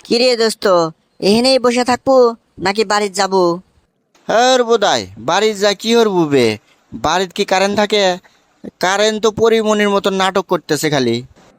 কিরে দোস্ত, এখানেই বসে থাকবো নাকি বাড়ির যাবো? হ্যাঁ বোধাই বাড়ির যা কি হর বুবে। বাড়ির কি কারেন্ট থাকে? কারেন্ট তো পরিমনির মতো নাটক করতেছে খালি।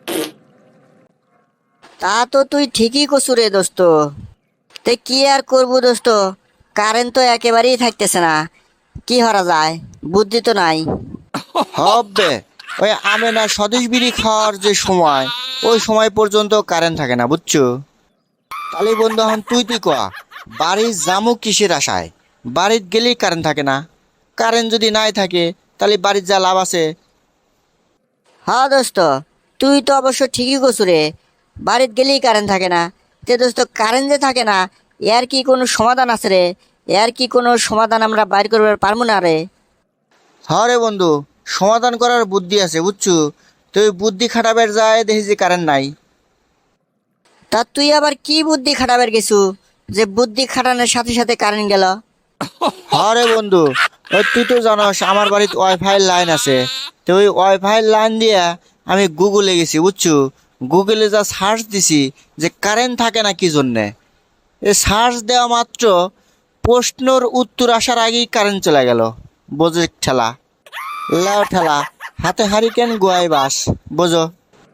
তা তো তুই ঠিকই কছু রে দোস্ত। তে কি আর করবো দোস্ত, কারেন্ট তো একেবারেই থাকতেছে না। কি করা যায়, বুদ্ধি তো নাই। হবে ওই আমেনা স্বদেশ বিড়ি খাওয়ার যে সময়, ওই সময় পর্যন্ত কারেন্ট থাকে না বুঝছো। তাহলে বন্ধু এখন তুই কয়া, বাড়ির জামুক কিসের আশায়? বাড়ির গেলেই কারেন্ট থাকে না। কারেন্ট যদি নাই থাকে তাহলে বাড়ির যা লাভ আছে। হ্যাঁ দোস্ত, তুই তো অবশ্য ঠিকই কছু রে। বাড়িত গেলেই কারেন্ট থাকে না। তে দোস্ত, কারেন্ট যে থাকে না, এর কি কোনো সমাধান আছে রে? এর কি কোনো সমাধান আমরা বাইর করবার পারবো না রে? হ্যাঁ রে বন্ধু, সমাধান করার বুদ্ধি আছে বুঝছো। তুই বুদ্ধি খাটাবের যায় দেখি যে কারেন্ট নাই। তা তুই আবার কি বুদ্ধি খাটাবার গেছু যে বুদ্ধি খাটানোর সাথে সাথে কারেন্ট গেল? হ্যাঁ রে বন্ধু, ওই তুই তো জানোস আমার বাড়িতে ওয়াইফাই লাইন আছে। তো ওই ওয়াইফাই লাইন দিয়া আমি গুগলে গেছি বুঝছো। গুগলে যা সার্চ দিছি যে কারেন্ট থাকে না কি জন্যে, এ সার্চ দেওয়া মাত্র প্রশ্নর উত্তর আসার আগেই কারেন্ট চলে গেল। বোঝো ঠেলা, লাও ঠেলা, হাতে হারিকেন গোয়াই বাস, বোঝো।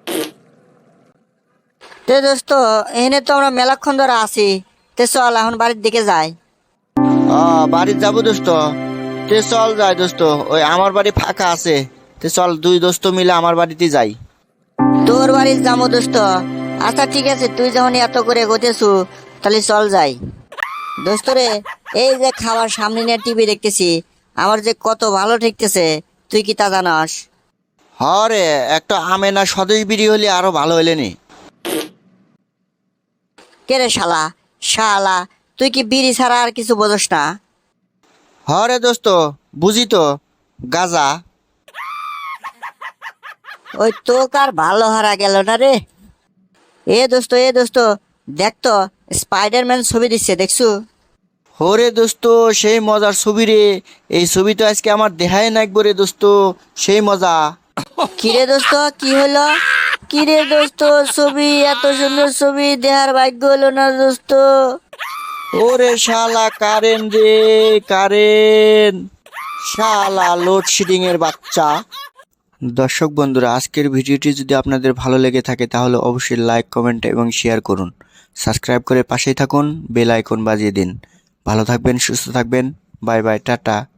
তে দোস্ত, এনে তো আমরা মেলাক্ষণ ধরে আছি। তে চল এখন বাড়ির দিকে যাই। বাড়ির যাবো দোস্ত। তে চল যাই দোস্ত, ওই আমার বাড়ি ফাঁকা আছে। তে চল দুই দোস্ত মিলে আমার বাড়িতে যাই। তোর বাড়ির যাবো দোস্ত। আচ্ছা ঠিক আছে, তুই যখন এত করে গোতেছু, তাহলে চল যাই। দোস্ত রে, এই যে খাবার সামনে নিয়ে টিভি দেখতেছি, আমার যে কত ভালো ঠেকতেছে, তুই কি তা জানাস? হরে, একটা আমেনা স্বদেশ বিড়ি হলে আরো ভালো হইলে নি। কে রে শালা? শালা, তুই কি বিড়ি ছাড়া আর কিছু বোঝস না? হরে দোস্ত, বুঝি তো, গাজা। ওই তোক আর ভালো হারা গেল না রে। এ দোস্ত, দেখ তো, স্পাইডারম্যান ছবি দিচ্ছে, দেখছু? হরে দোস্ত, সেই মজার ছবি রে। এই ছবি তো আজকে আমার দেহায় নাকবো রে দোস্ত, সেই মজা। কিরে দোস্ত, কি হলো? কিরে দোস্ত, ছবি, এত সুন্দর ছবি দেহার ভাগ্য হলো না দোস্ত? ওরে শালা কারেন্ট রে, কারেন্ট, শালা লোডশেডিং এর বাচ্চা। দর্শক বন্ধুরা, আজকের ভিডিওটি যদি আপনাদের ভালো লেগে থাকে তাহলে অবশ্যই লাইক, কমেন্ট এবং শেয়ার করুন। সাবস্ক্রাইব করে পাশেই থাকুন, বেল আইকন বাজিয়ে দিন। ভালো থাকবেন, সুস্থ থাকবেন। Bye bye, tata.